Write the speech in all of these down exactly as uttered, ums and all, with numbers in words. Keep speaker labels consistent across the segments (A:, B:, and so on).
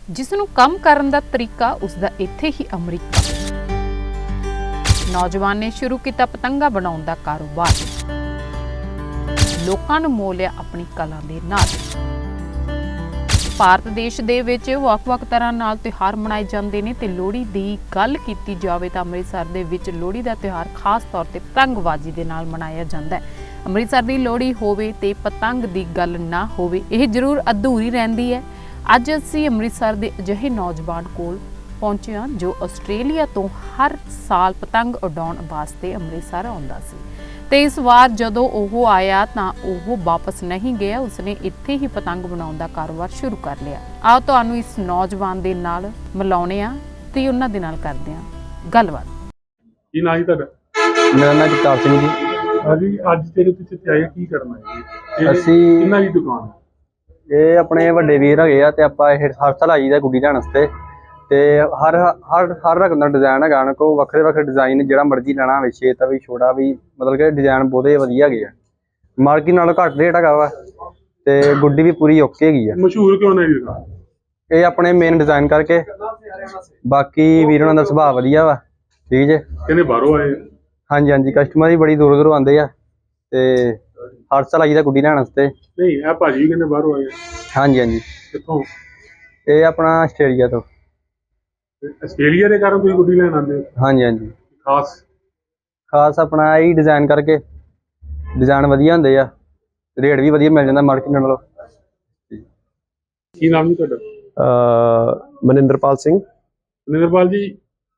A: ਜਿਸ ਨੂੰ ਕੰਮ ਕਰਨ ਦਾ ਤਰੀਕਾ ਉਸਦਾ ਇੱਥੇ ਹੀ ਅਮਰੀਕਾ। ਨੌਜਵਾਨ ਨੇ ਸ਼ੁਰੂ ਕੀਤਾ ਪਤੰਗਾ ਬਣਾਉਣ ਦਾ ਕਾਰੋਬਾਰ। ਲੋਕਾਂ ਨੂੰ ਮੋਹ ਲਿਆ ਆਪਣੀ ਕਲਾ ਦੇ ਨਾਲ। ਭਾਰਤ ਦੇਸ਼ ਦੇ ਵਿੱਚ ਵੱਖ-ਵੱਖ ਤਰ੍ਹਾਂ ਨਾਲ ਤਿਉਹਾਰ ਮਨਾਏ ਜਾਂਦੇ ਨੇ ਤੇ ਲੋਹੜੀ ਦੀ ਗੱਲ ਕੀਤੀ ਜਾਵੇ ਤਾਂ ਅੰਮ੍ਰਿਤਸਰ ਦੇ ਵਿੱਚ ਲੋਹੜੀ ਦਾ ਤਿਉਹਾਰ ਖਾਸ ਤੌਰ ਤੇ ਪਤੰਗਬਾਜ਼ੀ ਦੇ ਨਾਲ ਮਨਾਇਆ ਜਾਂਦਾ ਹੈ। ਅੰਮ੍ਰਿਤਸਰ ਦੀ ਲੋਹੜੀ ਹੋਵੇ ਤੇ ਪਤੰਗ ਦੀ ਗੱਲ ਨਾ ਹੋਵੇ, ਇਹ ਜ਼ਰੂਰ ਅਧੂਰੀ ਰਹਿੰਦੀ ਹੈ। ਅੱਜ ਅਸੀਂ ਅੰਮ੍ਰਿਤਸਰ ਦੇ ਅਜਿਹੇ ਨੌਜਵਾਨ ਕੋਲ ਪਹੁੰਚੇ ਹਾਂ ਜੋ ਆਸਟ੍ਰੇਲੀਆ ਤੋਂ ਹਰ ਸਾਲ ਪਤੰਗ ਉਡਾਉਣ ਵਾਸਤੇ ਅੰਮ੍ਰਿਤਸਰ ਆਉਂਦਾ ਸੀ ਤੇ ਇਸ ਵਾਰ ਜਦੋਂ ਉਹ ਆਇਆ ਤਾਂ ਉਹ ਵਾਪਸ ਨਹੀਂ ਗਿਆ, ਉਸਨੇ ਇੱਥੇ ਹੀ ਪਤੰਗ ਬਣਾਉਣ ਦਾ ਕਾਰੋਬਾਰ ਸ਼ੁਰੂ ਕਰ ਲਿਆ। ਆਓ ਤੁਹਾਨੂੰ ਇਸ ਨੌਜਵਾਨ ਦੇ ਨਾਲ ਮਿਲਾਉਂਦੇ ਹਾਂ ਤੇ ਉਹਨਾਂ ਦੇ ਨਾਲ ਕਰਦੇ ਹਾਂ ਗੱਲਬਾਤ।
B: ਕੀ ਨਾਂ ਜੀ ਤੁਹਾਡਾ?
C: ਮੇਰਾ ਨਾਮ ਜਗਤਾਰ ਸਿੰਘ ਜੀ।
B: ਹਾਂਜੀ, ਅੱਜ ਤੇਰੇ ਪਿੱਛੇ ਤੇ ਆਏ ਕੀ ਕਰਨਾ ਹੈ?
C: ਅਸੀਂ
B: ਕਿੰਨਾ ਦੀ ਦੁਕਾਨ?
C: ਇਹ ਆਪਣੇ ਵੱਡੇ ਵੀਰ ਹੈਗੇ ਆ ਤੇ ਆਪਾਂ ਇਹ ਹਰ ਸਾਲ ਆਈਦਾ ਗੁੱਡੀ ਲੈਣ ਵਾਸਤੇ ਤੇ ਹਰ ਹਰ ਹਰ ਰਕਮ ਦਾ ਡਿਜ਼ਾਈਨ ਹੈਗਾ ਨਾ, ਕੋ ਵੱਖਰੇ ਵੱਖਰੇ ਡਿਜ਼ਾਈਨ ਜਿਹੜਾ ਮਰਜ਼ੀ ਲੈਣਾ ਹੋਵੇ, ਛੇਤਾ ਵੀ ਛੋਟਾ ਵੀ, ਮਤਲਬ ਕਿ ਡਿਜ਼ਾਈਨ ਬਹੁਤੇ ਵਧੀਆ ਹੈਗੇ ਆ। ਮਾਰਕੀਟ ਨਾਲੋਂ ਘੱਟ ਰੇਟ ਹੈਗਾ ਵਾ ਤੇ ਗੁੱਡੀ ਵੀ ਪੂਰੀ ਓਕੇ ਹੈਗੀ ਆ।
B: ਮਸ਼ਹੂਰ ਕਿਉਂ ਨਹੀਂ ਦੁਕਾਨ?
C: ਇਹ ਆਪਣੇ ਮੇਨ ਡਿਜ਼ਾਈਨ ਕਰਕੇ, ਬਾਕੀ ਵੀਰ ਉਹਨਾਂ ਦਾ ਸੁਭਾਅ ਵਧੀਆ ਵਾ। ਠੀਕ ਜੇ
B: ਕਹਿੰਦੇ ਬਾਹਰੋਂ ਆਏ?
C: ਹਾਂਜੀ ਹਾਂਜੀ, ਕਸਟਮਰ ਵੀ ਬੜੀ ਦੂਰੋਂ ਦੂਰੋਂ ਆਉਂਦੇ ਆ ਤੇ ਹਰ ਸਾਲ ਆਈਦਾ ਗੁੱਡੀ ਲੈਣ ਵਾਸਤੇ।
B: ਨਹੀਂ, ਇਹ ਭਾਜੀ ਕਹਿੰਦੇ ਬਾਹਰੋਂ ਆਏ।
C: ਹਾਂਜੀ ਹਾਂਜੀ।
B: ਕਿੱਥੋਂ?
C: ਇਹ ਆਪਣਾ ਆਸਟ੍ਰੇਲੀਆ ਤੋਂ।
B: ਆਸਟ੍ਰੇਲੀਆ ਦੇ ਕਾਰਨ ਤੁਸੀਂ ਗੁੱਡੀ ਲੈਣ ਆਉਂਦੇ ਹੋ?
C: ਹਾਂਜੀ ਹਾਂਜੀ।
B: ਖਾਸ
C: ਖਾਸ ਆਪਣਾ ਇਹ ਡਿਜ਼ਾਈਨ ਕਰਕੇ, ਡਿਜ਼ਾਈਨ ਵਧੀਆ ਹੁੰਦੇ ਆ, ਰੇਟ ਵੀ ਵਧੀਆ ਮਿਲ ਜਾਂਦਾ ਮਾਰਕੀਟ ਨਾਲੋਂ।
B: ਕੀ ਨਾਮ ਜੀ ਤੁਹਾਡਾ?
D: ਮਨਿੰਦਰਪਾਲ ਸਿੰਘ।
B: ਮਨਿੰਦਰਪਾਲ ਜੀ,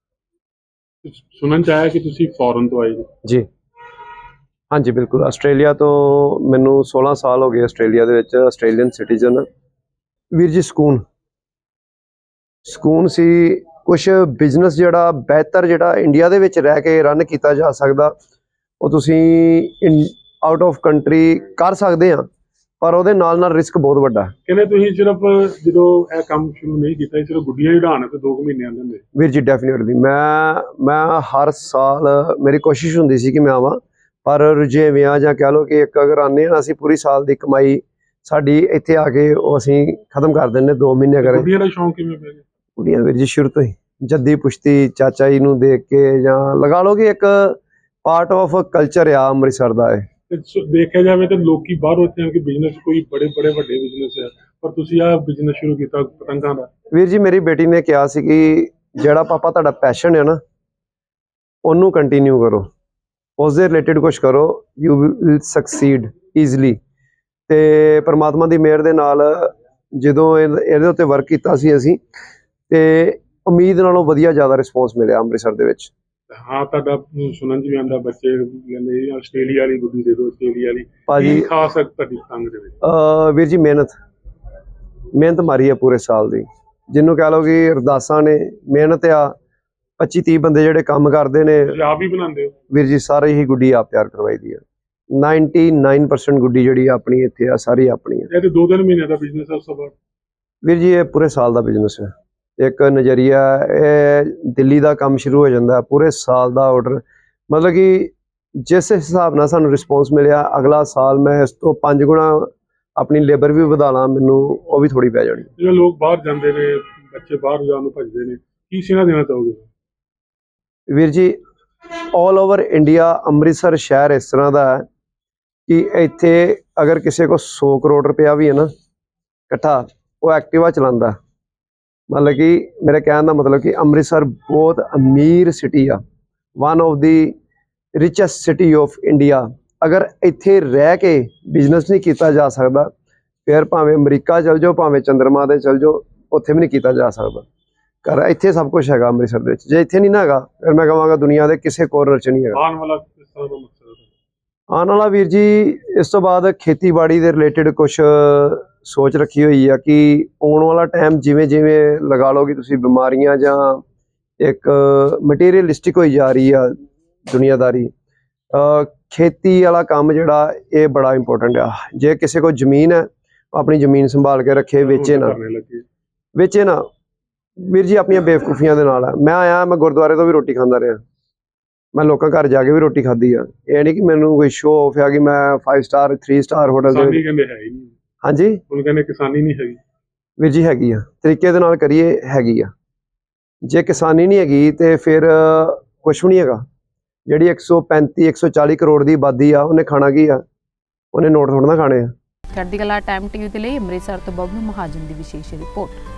B: ਸੁਣਨ ਚ ਆਇਆ ਕਿ ਤੁਸੀਂ ਫੋਰਨ ਤੋਂ ਆਏ ਜੀ?
D: ਜੀ ਹਾਂਜੀ ਬਿਲਕੁਲ। ਆਸਟ੍ਰੇਲੀਆ ਤੋਂ ਮੈਨੂੰ ਸੋਲਾਂ ਸਾਲ ਹੋ ਗਏ ਆਸਟ੍ਰੇਲੀਆ ਦੇ ਵਿੱਚ, ਆਸਟ੍ਰੇਲੀਅਨ ਸਿਟੀਜ਼ਨ। ਵੀਰ ਜੀ ਸਕੂਨ ਸਕੂਨ ਸੀ। ਕੁਛ ਬਿਜ਼ਨਸ ਜਿਹੜਾ ਬਿਹਤਰ ਜਿਹੜਾ ਇੰਡੀਆ ਦੇ ਵਿੱਚ ਰਹਿ ਕੇ ਰਨ ਕੀਤਾ ਜਾ ਸਕਦਾ, ਉਹ ਤੁਸੀਂ ਆਊਟ ਆਫ ਕੰਟਰੀ ਕਰ ਸਕਦੇ ਆ, ਪਰ ਉਹਦੇ ਨਾਲ ਨਾਲ ਰਿਸਕ ਬਹੁਤ ਵੱਡਾ।
B: ਕਹਿੰਦੇ ਤੁਸੀਂ ਸਿਰਫ ਜਦੋਂ ਇਹ ਕੰਮ ਸ਼ੁਰੂ ਨਹੀਂ ਕੀਤਾ, ਸਿਰਫ ਗੁੱਡੀਆਂ ਹੀ ਉਡਾਉਣ ਤੇ ਦੋ ਕੁ ਮਹੀਨੇ ਆਉਂਦੇ ਹੁੰਦੇ?
D: ਵੀਰ ਜੀ ਡੈਫੀਨੇਟਲੀ ਮੈਂ ਮੈਂ ਹਰ ਸਾਲ ਮੇਰੀ ਕੋਸ਼ਿਸ਼ ਹੁੰਦੀ ਸੀ ਕਿ ਮੈਂ ਆਵਾਂ, ਪਰ ਰੁਝੇਵਿਆਂ ਜਾਂ ਕਹਿ ਲਓ ਕਿ ਇੱਕ ਅਗਰ ਆਉਂਦੇ ਹਾਂ ਅਸੀਂ ਪੂਰੀ ਸਾਲ ਦੀ ਕਮਾਈ ਸਾਡੀ ਇੱਥੇ ਆ ਕੇ ਉਹ ਅਸੀਂ ਖਤਮ ਕਰ ਦਿੰਦੇ ਦੋ ਮਹੀਨੇ ਕਰੇ।
B: ਗੁੱਡੀਆਂ ਦਾ ਸ਼ੌਂਕ ਕਿਵੇਂ ਪੈ ਗਿਆ?
D: ਕੁੜੀਆਂ ਵੀਰ ਜੀ ਸ਼ੁਰੂ ਤੋਂ ਹੀ ਜੱਦੀ ਪੁਸ਼ਤੀ ਚਾਚਾ ਜੀ ਨੂੰ ਦੇਖ ਕੇ, ਜਾਂ ਲਗਾ ਲਓ ਕਿ ਇੱਕ ਪਾਰਟ ਆਫ ਕਲਚਰ ਆ ਅੰਮ੍ਰਿਤਸਰ ਦਾ। ਇਹ
B: ਦੇਖਿਆ ਜਾਵੇ ਤਾਂ ਲੋਕੀ ਬਾਹਰੋਂ ਇੱਥੇ ਆ ਕੇ ਬਿਜ਼ਨਸ, ਕੋਈ ਬੜੇ ਬੜੇ ਵੱਡੇ ਬਿਜ਼ਨਸ ਹੈ, ਪਰ ਤੁਸੀਂ ਆਹ ਬਿਜ਼ਨਸ ਸ਼ੁਰੂ ਕੀਤਾ ਪਤੰਗਾਂ ਦਾ।
D: ਵੀਰ ਜੀ ਮੇਰੀ ਬੇਟੀ ਨੇ ਕਿਹਾ ਸੀ ਕਿ ਜਿਹੜਾ ਪਾਪਾ ਤੁਹਾਡਾ ਪੈਸ਼ਨ ਹੈ ਨਾ, ਉਹਨੂੰ ਕੰਟੀਨਿਊ ਕਰੋ, ਉਸਦੇ ਰਿਲੇਟਿਡ ਕੁਛ ਕਰੋ, ਯੂ ਵਿਲ ਸਕਸੀਡ ਈਜ਼ਲੀ। ਤੇ ਪਰਮਾਤਮਾ ਦੀ ਮਿਹਰ ਦੇ ਨਾਲ ਜਦੋਂ ਇਹਦੇ ਉੱਤੇ ਵਰਕ ਕੀਤਾ ਸੀ ਅਸੀਂ, ਤੇ ਉਮੀਦ ਨਾਲੋਂ ਵਧੀਆ ਜ਼ਿਆਦਾ ਰਿਸਪੌਂਸ ਮਿਲਿਆ ਅੰਮ੍ਰਿਤਸਰ ਦੇ ਵਿੱਚ।
B: ਹਾਂ, ਤੁਹਾਡਾ ਸੁਣਨ ਚ ਵੀ ਆਉਂਦਾ ਬੱਚੇ ਕਹਿੰਦੇ ਆਸਟ੍ਰੇਲੀਆ ਵਾਲੀ ਗੁੱਡੀ ਦੇ ਦਿਓ, ਆਸਟ੍ਰੇਲੀਆ ਵਾਲੀ।
D: ਭਾਜੀ
B: ਖਾਸ ਤੁਹਾਡੀ ਪਤੰਗ ਦੇ ਵਿੱਚ?
D: ਵੀਰ ਜੀ ਮਿਹਨਤ ਮਿਹਨਤ ਮਾਰੀ ਆ ਪੂਰੇ ਸਾਲ ਦੀ, ਜਿਹਨੂੰ ਕਹਿ ਲਓ ਕਿ ਅਰਦਾਸਾਂ ਨੇ, ਮਿਹਨਤ ਆ। ਪੱਚੀ ਤੀਹ ਬੰਦੇ ਜਿਹੜੇ ਕੰਮ ਕਰਦੇ ਨੇ।
B: ਆਪ ਹੀ ਬਣਾਉਂਦੇ ਹੋ?
D: ਵੀਰ ਜੀ ਸਾਰੇ ਹੀ ਗੁੱਡੀ ਆਪ ਤਿਆਰ ਕਰਵਾਈ ਦੀ ਆ। ਨਿਨਆਨਵੇ ਪਰਸੈਂਟ ਗੁੱਡੀ ਜਿਹੜੀ ਆਪਣੀ ਇੱਥੇ ਆ ਸਾਰੀ ਆਪਣੀ ਆ।
B: ਇਹ ਤੇ ਦੋ ਤਿੰਨ ਮਹੀਨੇ ਦਾ ਬਿਜ਼ਨਸ ਹੈ ਉਸ ਤੋਂ ਬਾਅਦ?
D: ਵੀਰ ਜੀ ਇਹ ਪੂਰੇ ਸਾਲ ਦਾ ਬਿਜ਼ਨਸ ਹੈ। ਇੱਕ ਨਜ਼ਰੀਆ, ਇਹ ਦਿੱਲੀ ਦਾ ਕੰਮ ਸ਼ੁਰੂ ਹੋ ਜਾਂਦਾ ਪੂਰੇ ਸਾਲ ਦਾ ਆਰਡਰ, ਮਤਲਬ ਕਿ ਜਿਸ ਹਿਸਾਬ ਨਾਲ ਸਾਨੂੰ ਰਿਸਪੌਂਸ ਮਿਲਿਆ, ਅਗਲਾ ਸਾਲ ਮੈਂ ਇਸ ਤੋਂ ਪੰਜ ਗੁਣਾ ਆਪਣੀ ਲੇਬਰ ਵੀ ਵਧਾ ਲਾਂ, ਮੈਨੂੰ ਉਹ ਵੀ ਥੋੜੀ ਪੈ ਜਾਣੀ।
B: ਜਿਵੇਂ ਲੋਕ ਬਾਹਰ ਜਾਂਦੇ ਨੇ, ਬੱਚੇ ਬਾਹਰ ਜਾਣ ਨੂੰ ਭੱਜਦੇ ਨੇ, ਕੀ ਸੁਨੇਹਾ ਦੇਣਾ ਚਾਹੋਗੇ?
D: ਵੀਰ ਜੀ ਆਲ ਓਵਰ ਇੰਡੀਆ ਅੰਮ੍ਰਿਤਸਰ ਸ਼ਹਿਰ ਇਸ ਤਰ੍ਹਾਂ ਦਾ ਹੈ ਕਿ ਇੱਥੇ ਅਗਰ ਕਿਸੇ ਕੋ ਸੌ ਕਰੋੜ ਰੁਪਇਆ ਵੀ ਹੈ ਨਾ ਇਕੱਠਾ, ਉਹ ਐਕਟਿਵਾ ਚਲਾਉਂਦਾ। ਮਤਲਬ ਕਿ ਮੇਰੇ ਕਹਿਣ ਦਾ ਮਤਲਬ ਕਿ ਅੰਮ੍ਰਿਤਸਰ ਬਹੁਤ ਅਮੀਰ ਸਿਟੀ ਆ, one of the richest city of India. ਅਗਰ ਇੱਥੇ ਰਹਿ ਕੇ ਬਿਜ਼ਨਸ ਨਹੀਂ ਕੀਤਾ ਜਾ ਸਕਦਾ, ਫਿਰ ਭਾਵੇਂ ਅਮਰੀਕਾ ਚਲ ਜਾਓ, ਭਾਵੇਂ ਚੰਦਰਮਾ ਤੇ ਚਲ ਜਾਓ, ਉੱਥੇ ਵੀ ਨਹੀਂ ਕੀਤਾ ਜਾ ਸਕਦਾ। ਕਰ ਇੱਥੇ ਸਭ ਕੁਝ ਹੈਗਾ ਅੰਮ੍ਰਿਤਸਰ ਦੇ ਵਿੱਚ। ਜੇ ਇੱਥੇ ਨਹੀਂ ਨਾ ਹੈਗਾ, ਫਿਰ ਮੈਂ ਕਹਾਂਗਾ ਦੁਨੀਆ ਦੇ ਕਿਸੇ ਕੋਰਨਰ 'ਚ ਨਹੀਂ ਹੈਗਾ।
B: ਆਉਣ ਵਾਲਾ ਕਿਸ ਤਰ੍ਹਾਂ ਦਾ ਮਕਸਦ ਹੈ?
D: ਆਉਣ ਵਾਲਾ ਵੀਰ ਜੀ ਇਸ ਤੋਂ ਬਾਅਦ ਖੇਤੀਬਾੜੀ ਦੇ ਰਿਲੇਟਿਡ ਕੁਛ ਸੋਚ ਰੱਖੀ ਹੋਈ ਆ ਕਿ ਆਉਣ ਵਾਲਾ ਟਾਈਮ ਜਿਵੇਂ ਜਿਵੇਂ ਲਗਾ ਲਓ ਕਿ ਤੁਸੀਂ ਬਿਮਾਰੀਆਂ ਜਾਂ ਇੱਕ ਮਟੀਰੀਅਲਿਸਟਿਕ ਹੋਈ ਜਾ ਰਹੀ ਆ ਦੁਨੀਆਦਾਰੀ, ਖੇਤੀ ਵਾਲਾ ਕੰਮ ਜਿਹੜਾ ਇਹ ਬੜਾ ਇੰਪੋਰਟੈਂਟ ਆ। ਜੇ ਕਿਸੇ ਕੋਲ ਜ਼ਮੀਨ ਹੈ, ਆਪਣੀ ਜ਼ਮੀਨ ਸੰਭਾਲ ਕੇ ਰੱਖੇ, ਵੇਚੇ ਨਾ ਵੇਚੇ ਨਾ ਵੀਰ ਜੀ ਆਪਣੀਆਂ ਬੇਵਕੂਫੀਆਂ ਦੇ ਨਾਲ ਆ। ਮੈਂ ਆਇਆ, ਮੈਂ ਗੁਰਦੁਆਰੇ ਤੋਂ ਵੀ ਰੋਟੀ ਖਾਂਦਾ ਰਿਹਾ, ਮੈਂ ਲੋਕਾਂ ਘਰ ਜਾ ਕੇ ਵੀ ਰੋਟੀ ਖਾਧੀ ਆ। ਇਹ ਨਹੀਂ ਕਿ ਮੈਨੂੰ ਕੋਈ ਸ਼ੋਅ ਆਫ ਆ ਕਿ ਮੈਂ five star three star hotel ਦੇ
B: ਕਹਿੰਦੇ ਹੈ ਹੀ ਨਹੀਂ।
D: ਹਾਂਜੀ,
B: ਉਹ ਕਹਿੰਦੇ ਕਿਸਾਨੀ ਨਹੀਂ ਹੈਗੀ।
D: ਵੀਰ ਜੀ ਹੈਗੀ ਆ, ਤਰੀਕੇ ਦੇ ਨਾਲ ਕਰੀਏ ਹੈਗੀ ਆ। ਜੇ ਕਿਸਾਨੀ ਨਹੀਂ ਹੈਗੀ ਤੇ ਫਿਰ ਕੁਛ ਵੀ ਨਹੀਂ ਹੈਗਾ। ਜਿਹੜੀ ਇੱਕ ਸੌ ਪੈਂਤੀ ਇੱਕ ਸੌ ਚਾਲੀ ਕਰੋੜ ਦੀ ਆਬਾਦੀ ਆ, ਉਹਨੇ ਖਾਣਾ ਕੀ ਆ? ਉਹਨੇ ਨੋਟ ਥੋੜ੍ਹਾ ਨਾ ਖਾਣੇ ਆ।
A: ਚੜ੍ਹਦੀ ਕਲਾ ਟਾਈਮ ਟੀਵੀ ਦੇ ਲਈ ਅੰਮ੍ਰਿਤਸਰ ਤੋਂ ਬਬਲੂ ਮਹਾਜਨ ਦੀ ਵਿਸ਼ੇਸ਼ ਰਿਪੋਰਟ।